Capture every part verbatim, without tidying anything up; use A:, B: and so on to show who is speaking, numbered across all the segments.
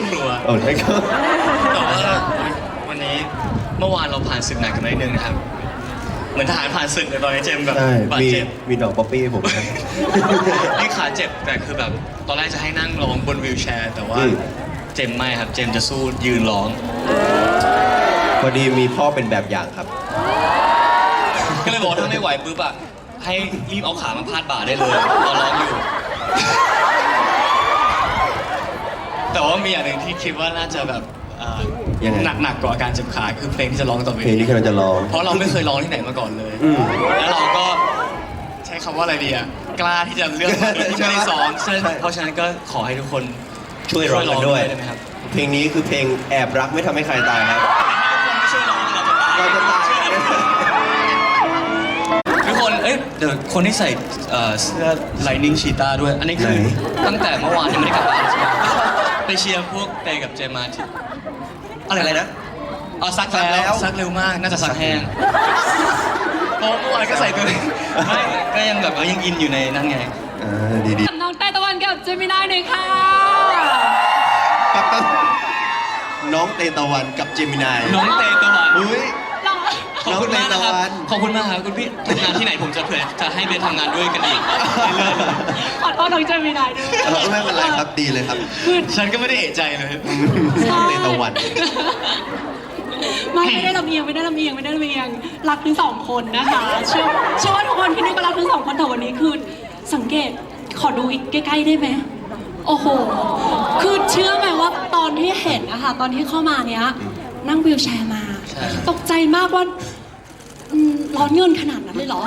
A: ครัว
B: โอ้ใช่ครับ
A: แต่ว่าวันนี้เมื่อวานเราผ่านศึกหนักกันไปนิดนึงนะครับเหมือนทหารผ่านศึกเลยตอนนี้เจมแบบ
B: ใช่
A: บาด
B: มี
A: เจ็บ
B: มีดอกป๊อปปี้ให้ผมครับ
A: นี่ขาเจ็บแต่คือแบบตอนแรกจะให้นั่งร้องบนวีลแชร์ แต่ว่า
B: อืม
A: เจมไม่ครับเจมจะสู้ยืนร้อง
B: พอดีมีพ่อเป็นแบบอย่างครับ
A: ก็เลยบอกว่าถ้าไม่ไหวปุ๊บอะให้รีบเอาขามาพาดบ่าได้เลยตอนร้องอยู่ แต่ว่ามีอย่างหนึ่งที่คิดว่าน่าจะแบบเอ่อ
B: ยังไง
A: หนักหนักกว่าอาการเจ็บขาคือเพลงที่จะร้องต่อไป
B: เพลงนี้กำลังจะร้อง
A: เพราะเราไม่เคยร้องที่ไหนมาก่อนเลย
B: อืม
A: แล้วเราก็ใช้คำว่าอะไรดีอะกล้าที่จะเลือกมาโดยที่ไม่ได้ซ้อม
B: ใช่
A: เพราะฉะนั้นก็ขอให้ทุกคน
B: ช่วยร้องกันด้วย
A: ได้ไหมครับ
B: เพลงนี้คือเพลงแอบรักไม่ทำให้ใครตายครับ
A: ไม่ช่วยร้องเราจะตาย
B: เราจะตาย
A: ทุกคน เอ้ย เดี๋ยวคนที่ใส่เอ่อเสื้อ Lightning Cheetah ด้วย อันนี้คือ
B: ไหน
A: ตั้งแต่เมื่อวานยังไม่ได้กลับบ้านใช่ไหมไปเชียร์พวกเตกับเจมาที่
B: อะไรนะ
A: อ๋อซัก
B: ซักแล้
A: แล้ว วซักเร็วมาก น่าจะซักแห้งโอ้เมื่อวานก็ใส่ตัวเองไม่ก็ยังแบบว่ายังอินอยู่ในนั่นไง
B: อ่าดีดี
C: น้องเต้ตะวันกับเจมินายหน่อยค่ะ
B: ๆปั๊บปั๊บน้องเตตะวันกับเจมินาย
A: น้องเตตะวัน
B: อุ้ย
C: เรา
A: ขอบคุณมากนะครับ
B: น้องเตตะวัน
A: ขอบคุณมากครับคุณพี่ทำงานที่ไหนผมจะเผื่อจะให้เบสทำงานด้วยกันอีกเรื่อย
C: ขอโทษน้องเจมินายด้วย
B: เออไม่เป็นไรครับดีเลยครับ
A: ๆฉันก็ไม่ได้เอะใจเลย
B: น้องเตตะวัน
C: ไม่ไม่ได้ลำเอียงไม่ได้ลำเอียงไม่ได้ลำเอียงรักทั้งสองคนนะคะเชื่อเชื่อว่าทุกคนที่นี่ก็รักทั้งสองคนแต่วันนี้คือสังเกตขอดูอีกใกล้ๆได้ไหมโอ้โหคือเชื่อไหมว่าตอนที่เห็นนะคะตอนที่เข้ามาเนี้ยนั่งวีลแชร์มา
A: ใช่ครับ
C: ตกใจมากว่าอืมร้อนเงินขนาดนั้นเลยเหรอ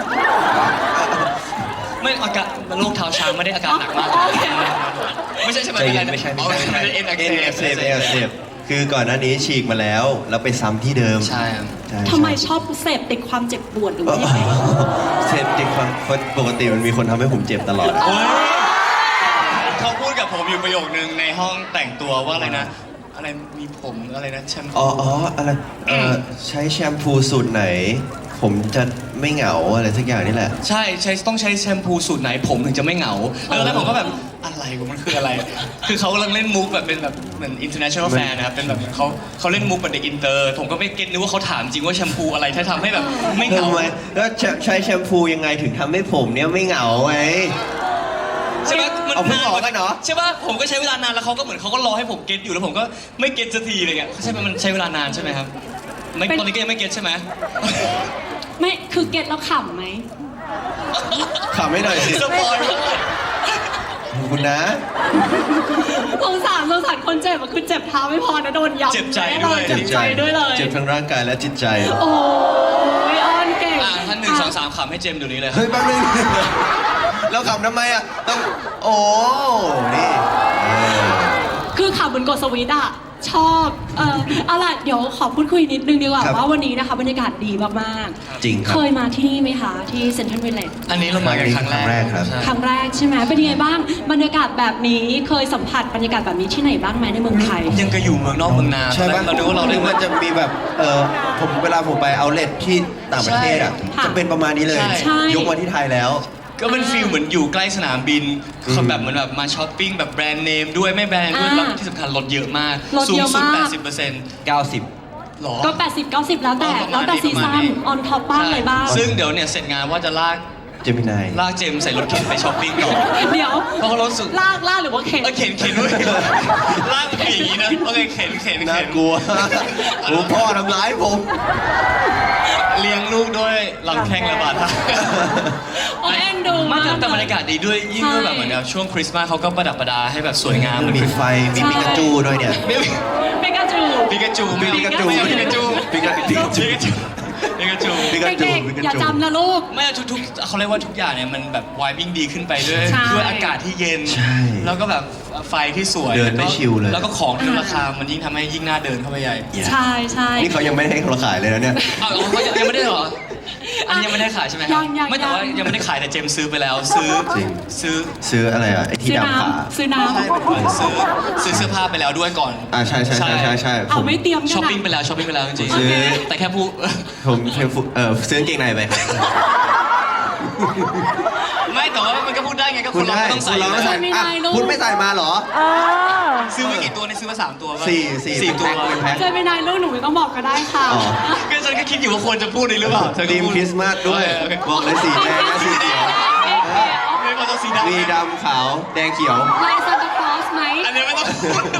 A: ไม่อาการโรคเท้าช้างไม่ได้อาการหนักมาก
C: อ๋อโอเค
A: ไม่ใช่ใช่ไหม
B: ใจเย็นไม่ใช่ไม่ใช่
A: อ๋อไม่ใช่เอ็นอัก
B: เอ็นอัก
A: เส
B: เส
A: บบ
B: เอ็นอักเสบคือก่อนหน้านี้ฉีกมาแล้ว แล้วไปซ้ำที่เดิม
A: ใช่ครับ
B: ใช่
C: ทำไม
B: ใช่
C: ชอบเสพติดความเจ็บปวดหรือ
B: อ๋อ
C: ว่ายังไง
B: เสพติดความปกติมันมีคนทำให้ผมเจ็บตลอด
A: โอ้ยเขาพูดกับผมอยู่ประโยคนึงในห้องแต่งตัวว่าอะไรนะ อะไรมีผมอะไรนะแชมพู
B: อ๋ออ๋ออะไรเอ่อใช้แชมพูสูตรไหน ผมจะไม่เหงาอะไรสักอย่างนี่แหละ
A: ใช่ใช้ต้องใช้แชมพูสูตรไหนผมถึงจะไม่เหงาแล้วแล้วผมก็แบบอะไรวะมันคืออะไร คือเขากำลังเล่นมุกแบบเป็นแบบเหมือน international fan นะครับเป็นแบบเขาเขาเล่นมุกแบบเด็กอินเตอร์ผมก็ไม่เก็ตนึกว่าเขาถามจริงว่าแชมพูอะไรที่ทำให้แบบไม่เหงา
B: ทำไมแล้วใช้แชมพูยังไงถึงทำให้ผมเนี่ยไม่เหงาไง
A: ใช่ไหมมัน
B: เอาเพิ่ง
A: นาน
B: ออกกันเหรอ
A: ใช่ป่ะผมก็ใช้เวลานานแล้วเขาก็เหมือนเขาก็รอให้ผมเก็ตอยู่แล้วผมก็ไม่เก็ตสักทีอะไรเงี้ยใช่ไหมมันใช้เวลานานใช่ไหมครับไม่
C: เป็น
A: ตอนนี้ก็ยังไม่เก็ตใช่ไหม
C: ไม่คือเก็ตแล้วขำไหม
B: ขำไม่หน่อยสิ
A: สปอยล์เลย
B: ขอบคุณนะ
C: สงสารสงสารคนเจ็บอะคือเจ็บเท้าไม่พอนะโดนยับ
A: เจ็บใจ
C: แน่
A: ด้วย
C: เจ็บใจด้วยเลย
B: เจ็บทั้งร่างกายและจิตใจ
C: โอ้ยอ้อนเก่ง
A: อ่ะท่านหนึ่งสองสามขำให้เจมส์เดี๋ยวนี้เลย
B: เฮ้ยแป๊บนึง แล้วขำทำไมอ่ะ ต้อง โอ้ นี่เออ
C: คือขำเหมือนกดสวิตช์อะชอบเออเอาล่ะเดี๋ยวขอพูดคุยนิดนึงดีกว่า
B: ครับ
C: ว่าวันนี้นะคะบรรยากาศดีมาก
B: จริง
C: ๆ
B: ครับ
C: เคยมาที่นี่ไหมคะที่เซ็นทรัลวิลเลจ
A: อันนี้เรามากันครั้งแรก
B: ครั้งแรกครับ
A: ใช่
C: ครั้งแรกใช่ไหมเป็นยังไงบ้างบรรยากาศแบบนี้เคยสัมผัสบรรยากาศแบบนี้ที่ไหนบ้างไหมในเมืองไทย
A: ยังก็อยู่เมืองนอกเมืองนา
B: ใช่ปะ
A: เราดูว่าเราได้
B: มันจะมีแบบ เออผมเวลาผมไปเอาเลทที่ต่างประเทศอ่ะ
C: ใช่
B: จะเป็นประมาณนี้เลย
C: ใช่
B: ยกมาที่ไทยแล้ว
A: ก็เป็นฟีลเหมือนอยู่ใกล้สนามบิน
B: อืม
A: เขาแบบเหมือนแบบมาช้อปปิ้งแบบแบรนด์เนมด้วยไม่แบรนด์ด้วย
C: อ่า
A: แล้วที่สำคัญลดเยอะมาก
C: ลด
A: สู
C: เย
A: ง
C: อะ
A: สุด
C: มาก
A: แปดสิบเปอร์เซ็นต์
B: เก้าสิบ
A: หรอ
C: ก็ แปดสิบ เก้าสิบ แล้วแต่
A: ประ
C: แล้
A: มาว ณ
C: แต่
A: นี้
C: ซี
A: ประมา
C: ซั่
A: ณ
C: น
A: นี้
C: ออนท็อปบ้างอะไรบ้าง
A: ซึ่งเดี๋ยวเนี่ยเสร็จงานว่าจะลาก
B: เจมินาย
A: ลากเจมส์ใส่รถเข็นไปช้อปปิ้งต่อ
C: เดี๋ยว
A: เพราะเขารู้สึก
C: ลากลากหรือว่าเข็น
A: เออเข็นเข็นด้วยลากมันเป็นอย่างนี้นะโอเคเข็นเข็น
B: น่า
A: เข็น
B: กลัว โอ้พ่อทำร้ายผม
A: เลี้ยงลูกด้วยลำแข้งและบาดเท้า
C: โอ้ยเอ็นดู
A: ไม่
C: มาก
A: แต่แต่บรรยากาศดีด้วยยิ่งด้วย
C: ใช่
A: แบบเหมือนแบบช่วงคริสต์มาสเขาก็ประดับประดาให้แบบสวยงาม
B: มีไฟ มีปิกาจูด้วยเนี่ย
A: ไม่
C: เปกาจู
A: ปิกาจูไม่
B: ปิกาจู
A: ไม่เอาปิกาจู
B: ปิกาปิกาจู
A: ปิกาจูปิกาจู
B: ปิกาจู
C: เด็ก
B: ปิกาจู
C: ๆอย่าจำนะลูก
A: ไม่ทุกทุกๆเขาเรียกว่าทุกอย่างเนี่ยมันแบบวายวิ่งดีขึ้นไปด้วย
C: ใช่
A: ด้วยอากาศที่เย็น
B: ใช่
A: แล้วก็แบบไฟที่สวย
B: เดินไม่ชิลเลย
A: แล้วก็ของที่ราคามันยิ่งทำให้ยิ่งน่าเดินเข้าไปใหญ่
C: ใช่ใช่
B: นี่เขายังไม่ได้ให้เขาขายเลยนะเนี่ย
A: อ้าวเขายังยังไม่ได้เหรออันนี้ยังไม่ได้ขายใช่ไหมครั
C: ยังยัง
A: ไม่แต่ว่า
C: ยัง
A: ยังไม่ได้ขายแต่เจมส์ซื้อไปแล้วซื้อ
B: จริง
A: ซื้อ
B: ซื้ออะไรอ่ะ ไอ้ที่
C: ซื้อ
B: ดำขา
C: น้ำซื้อน้
A: ใช่เป็นเหมือนซื้อซื้อเสื้อผ้าไปแล้วด้วยก่อน
B: อ่าใช่ใช่ใช่ใช่ใช่
C: ำเอา
B: ผม
C: ไม่เตรียมกัน
A: ช้อป
C: อะ
A: ปิ้งไปแล้วช้อปปิ้งไปแล้วจริง
B: ซื้อ
A: ๆแต่แค่พูด
B: ผมเออซื้อกางเกงในไปครับ
A: ไม่แต่ว่ามันก็พูดได้ไงก็ค
B: คุ
A: น
B: ณ
A: เรา
B: ได้
A: ก็ต้อง
B: คุ
A: ใส่
B: ณเราไม่ใส่
C: ไม่ได้
B: อ่ะ
C: ลูก
B: คุณไม่ใส่มาเหรอ
A: ซื้อไม่กี่กี่ตัวในซื้อมาสามตัวป่ะ
B: สี่สี่
A: สี่ตัว
B: แพ็คเป็นแพ็ค
C: เจมินายลูกหนูไม่ต้องบอกก็ได้ค่ะ
B: อ๋อ
A: ก็ฉันก็คิดอยู่ว่าควรจะพูดเลยหรือเปล่าเธอก็
B: ทีม
A: พูด
B: คริสต์มาสด้วย
A: โอเค
B: บอกเลยสีแดงและสีเขียว
A: ไม่พอต้องสีดำ
B: มีดำขาวแดงเขียว
C: ลายซานตาคลอสไหม
A: อันนี้ไม่ต้องพูด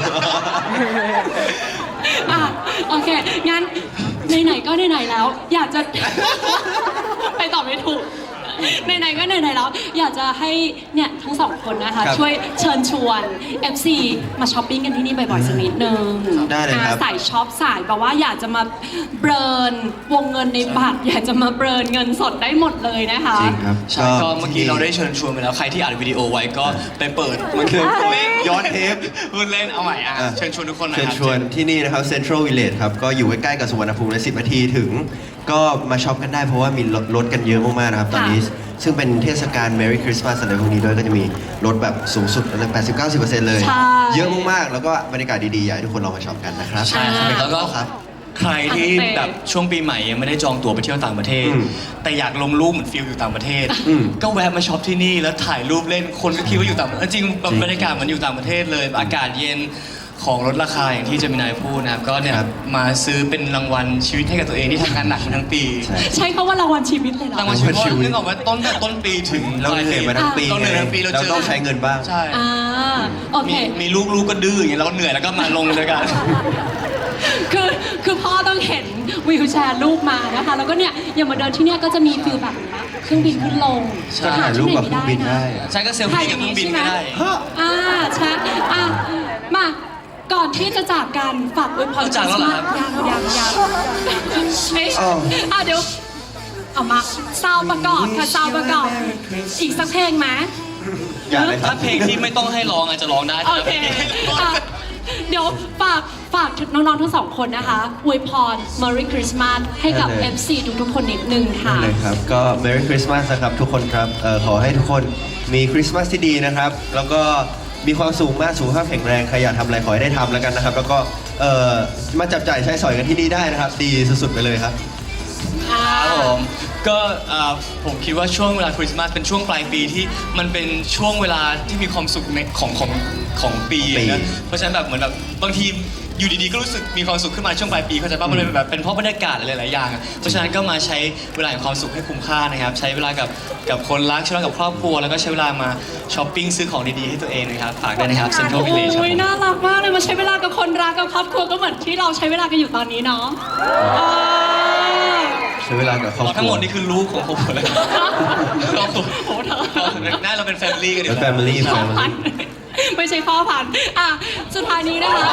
C: อ่ะโอเค งั้นไหนๆก็ไหนๆแล้ว อยากจะ ไปต่อไม่ถูกไหนๆก็ไหนๆแล้ว อยากจะให้เนี่ยทั้งสองคนนะคะ
B: ครับ
C: ช่วยเชิญชวน เอฟ ซี มาช้อปปิ้งกันที่นี่บ่อยๆสักนิดนึง
B: ได้เลยครับ
C: อ่ะสายช็อปสายแบบว่าอยากจะมาเบิร์นวงเงินในบัตร อยากจะมาเบิร์นเงินสดได้หมดเลยนะคะ
B: จริงครับ
A: ใช่ก็เมื่อกี้เราได้เชิญชวนไปแล้วใครที่อัดวิดีโอไว้ก็ไปเปิดมันคือเล่น
B: ย้อนเทป
A: พูดเล่นเอาใหม่อ่ะเชิญชวนทุกคนหน่อย
B: เชิญ
A: ครับ
B: ชวนที่นี่นะครับ Central Village ครับ ก็อยู่ใกล้ๆกับสุวรรณภูมิเลยสิบนาทีถึง ก็มาช็อปกันได้เพราะว่ามีลดลดกันเยอะมากๆนะครับ ตอนนี้ ซึ่งเป็นเทศกาล Merry Christmas อะไรพวกนี้ด้วยก็จะมีลดแบบสูงสุดเลย แปดสิบถึงเก้าสิบเปอร์เซ็นต์ เลย
C: ใช่
B: เยอะมากๆ แล้วก็บรรยากาศดีๆ อยากให้ทุกคนลองมาช็อปกันนะครับ
A: ใช่ครับแล้วก็
B: ครับ
A: ใครที่แบบช่วงปีใหม่ยังไม่ได้จองตั๋วไปเที่ยวต่างประเทศ
B: อืม
A: แต่อยากลงรูปเหมือนฟิลอยู่ต่างประเทศ
B: อืม
A: ก็แวะมาช็อปที่นี่แล้วถ่ายรูปเล่นคนก็คิดว่าอยู่ต่างประเทศจริงๆแบบ
B: จริง
A: บรรยากาศเหมันอยู่ต่างประเทศเลย อากาศเย็นของลดราคาอย่างที่เจมินายพูดนะครับก็เนี่ย
B: ครับ
A: มาซื้อเป็นรางวัลชีวิตให้กับตัวเองที่ทำงานหนักมาทั้งปี
B: ใช่
C: ใช้คำว่ารางวัลชีวิตเลยเหรอ
A: รางวัลชีวิตเพราะนึกออกว่าต้นแต่ต้นปีถึง
B: เราเหนื่อยมาทั้งปี
A: เราเหนื่อยทั้งปีเรา
B: เรา
A: เจอ
B: ต้องใช้เงินบ้าง
A: ใช่
C: อ่าโอเค
A: มีมีลูกลูกก็ดื้ออย่างเงี้ยเราก็เหนื่อยแล้วก็มาลงด้วยกัน
C: คือคือพ่อต้องเห็นวิวแชร์ลูกมานะคะ แล้วก็เนี่ยอย่างมาเดินที่เนี่ยก็จะมีฟิลแบบนี้เครื่องบินขึ้นลง
A: ใช่
B: ก็ถ่ายรูปกับเครื่องบินได้
A: ใช่ก็เซลฟี่กับเครื่องบินก็ได้
C: อ่าใช่อ่ะมาก่อนที่จะจากกันฝากอวยพร
A: จากแล้วเหรอครับ
C: ยังยังยังไม่
B: อ้าว
C: อ่ะเดี๋ยวเอามาซาวประกอบค่ะซาวประกอบอีกสักเพลงไหม
B: อยากเลยครั
A: ถ้า
B: บ
A: เพลงที่ไม่ต้องให้ร้องอาจจะร้องได้
C: โอเคอ่ะเดี๋ยวฝากฝากน้องๆทั้งสองคนนะคะอวยพร Merry Christmas ให้กับ
B: ได้เลย
C: เอฟ ซี ทุกๆคนนิดนึงค่ะ
B: ได้เลยครับ ก็ Merry Christmas นะครับทุกคนครับเอ่อขอให้ทุกคนมีคริสต์มาสที่ดีนะครับ แล้วก็มีความสุขมากสุขภาพแข็งแรงใครอยากทำอะไรขอให้ได้ทำแล้วกันนะครับ แล้วก็เอ่อมาจับจ่ายใช้สอยกันที่นี่ได้นะครับ ดีสุดๆไปเลยครับ
A: ครับผมก็อ่าผมคิดว่าช่วงเวลาคริสต์มาสเป็นช่วงปลายปีที่มันเป็นช่วงเวลาที่มีความสุขในของของของปี
B: ปี
A: นะเพราะฉะนั้นแบบเหมือนแบบบางทีอยู่ดีๆก็รู้สึกมีความสุขขึ้นมาช่วงปลายปีเข้าใจป่ะมันเลยแบบเป็นเพราะบรรยากาศอะไรหลายๆอย่างอะเพราะฉะนั้นก็มาใช้เวลาแห่งความสุขให้คุ้มค่านะครับใช้เวลากับกับคนรักใช้เวลากับครอบครัวแล้วก็ใช้เวลามาช้อปปิ้งซื้อของดีๆให้ตัวเองนะครับฝากด้วยนะครับ Central Village ครับ
C: โอ้ย
A: ผม
C: น่ารักมากเลยมาใช้เวลากับคนรักกับครอบครัวก็เหมือนที่เราใช้เวลากันอยู่ตอนนี้เนาะเออ
B: ใช้เวลากับครอบครัว
A: เราทั้งหมดนี่คือลูกของผมหมดเลยครอบครัว
C: โอ้เธอ
A: น่าเราเป็นแฟมิลี่กันดี
B: แล้ว
A: กว่า
B: Family
C: พ่อ
B: Family
C: พันธุ์ไม่ใช่พ่อพันธุ์อ่ะสุดท้ายนี้นะคะ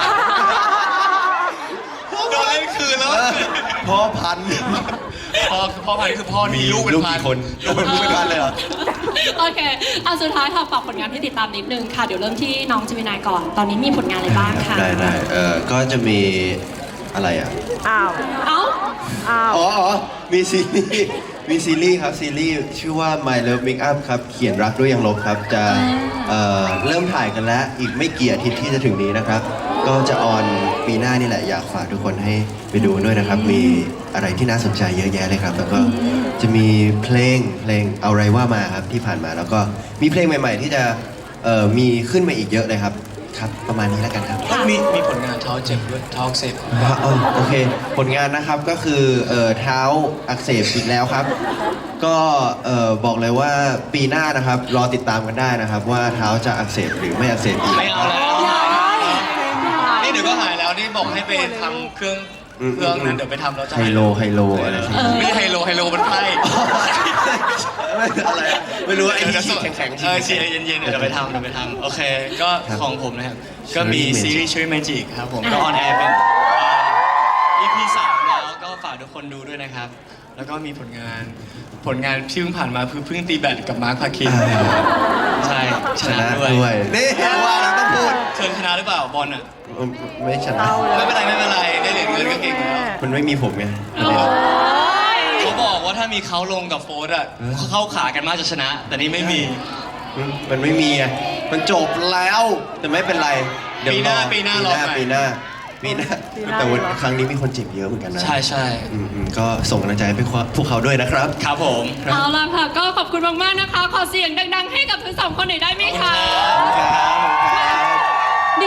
A: โดนเล่นคืนแล้ว
B: พ่อพันธุ์
A: พ่อพ่อพันธุ์คือพ่อมีลูกเป็น
B: ลูก
A: พัน
B: กี่คนลูกเป็นพันเลยเหรอ
C: โอเคอ่ะสุดท้ายค่ะฝากผลงานที่ติดตามนิดนึงค่ะ เดี๋ยวเริ่มที่น้องจิมินายก่อน ตอนนี้มีผลงานอะไรบ้างคะ
B: ได้ได้เอ่อก็จะมีอะไรอ่ะ
C: เอ้า
B: อ๋ออ๋อมีซีรีส์มีซีรีส์ครับซีรีส์ชื่อว่า My Love Make Up ครับเขียนรักด้วยยังลบครับจะเอ่อเริ่มถ่ายกันแล้วอีกไม่กี่อาทิตย์ที่จะถึงนี้นะครับ ก็จะออนปีหน้านี่แหละอยากฝากทุกคนให้ไปดูด้วยนะครับ มีอะไรที่น่าสนใจเยอะแยะเลยครับ แล้วก็จะมีเพลงเพลงเอาไรว่ามาครับที่ผ่านมา แล้วก็มีเพลงใหม่ ๆ ที่จะเอ่อมีขึ้นมาอีกเยอะเลยครับครับประมาณนี้แล้วกันครับ
A: มีมีผลงานเท้าเจ็บด้วยเท้าอักเสบ
B: อ่ะเออโอเค ผลงานนะครับก็คือเอ่อเท้าอักเสบอีกแล้วครับ ก็เอ่อบอกเลยว่าปีหน้านะครับรอติดตามกันได้นะครับ ว่าเท้าจะอักเสบหรือไม่อักเสบอีก
A: ไม่เอาแล้วนี่เดี๋ยวก็หายแล้วนี่บอกให้ไปทำเครื่อง
B: อืม
A: เครื่องนั้นเดี๋ยวไปทำแล้วจะ
B: ไฮ
A: หาย
B: โลไฮโลอะไรสักอย่าง
A: ไม่ใช่ไฮโลไฮโลมันไพ่
B: ไม่อะไรอะไม่รู้ว่าไอ้ที่ฉีดแข็งๆ
A: เออฉี
B: ฉี
A: ด
B: ด
A: เย็นๆเดี๋ยวไปทำเดี๋ยวไปทำโอเคก็
B: ครับ
A: ของผมนะครับก็มี
B: Cherry Magic
A: ซีรีส์ Cherry Magic ครับผมก็ออนแอร์เป็นอ่า อี พี สามแล้วก็ฝากทุกคนดูด้วยนะครับ แล้วก็มีผลงานผลงานที่เพิ่งผ่านมาคือเพิ่งตีแบดกับมาร์คพาคิน
B: อ่า
A: ใช่ช
B: ช
A: นะ
B: นะ
A: ด้วย
B: ด้วยนี่ว่าแล้วต้องพูด
A: เคยชนะหรือเปล่าบอลอ่ะ
B: ไม่ชนะ
A: ไม่เป็นไรไม่เป็นไรได้เหรียญเงินก็เก่งแล้ว
B: มันไม่มีผมไง
C: โอ้ย
A: เขาบอกว่าถ้ามีเขาลงกับโฟร์อ่ะเขาเข้าขากันมากจะชนะ แต่นี่ไม่มี
B: มันไม่มีไงมันจบแล้วแต่ไม่เป็นไรเดี๋ยว
A: ปีหน้าร ปีหน้ารอ
B: ปีหน้าปีหน้าแต่วันครั้งนี้มีคนเจ็บเยอะเหมือนกันนะ
A: ใช่ใช่
B: อืมๆก็ส่งกำลังใจให้พวกเขาด้วยนะครับ
A: ครับผม
C: เอาล่ะค่ะ ก็ขอบคุณมากๆนะคะ ขอเสียงดังๆ ให้กับทั้งสองคนหน่อยได้ไหมคะ
B: ครับ
C: เดี๋ยว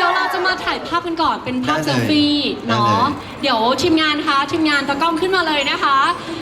C: ดี๋ยวเราจะมาถ่ายภาพกันก่อนเป็นภาพ
B: ได้เลย
C: เซลฟี่
B: ได้เลย
C: เนาะเดี๋ยวทีมงานคะทีมงานตะกล้องขึ้นมาเลยนะคะ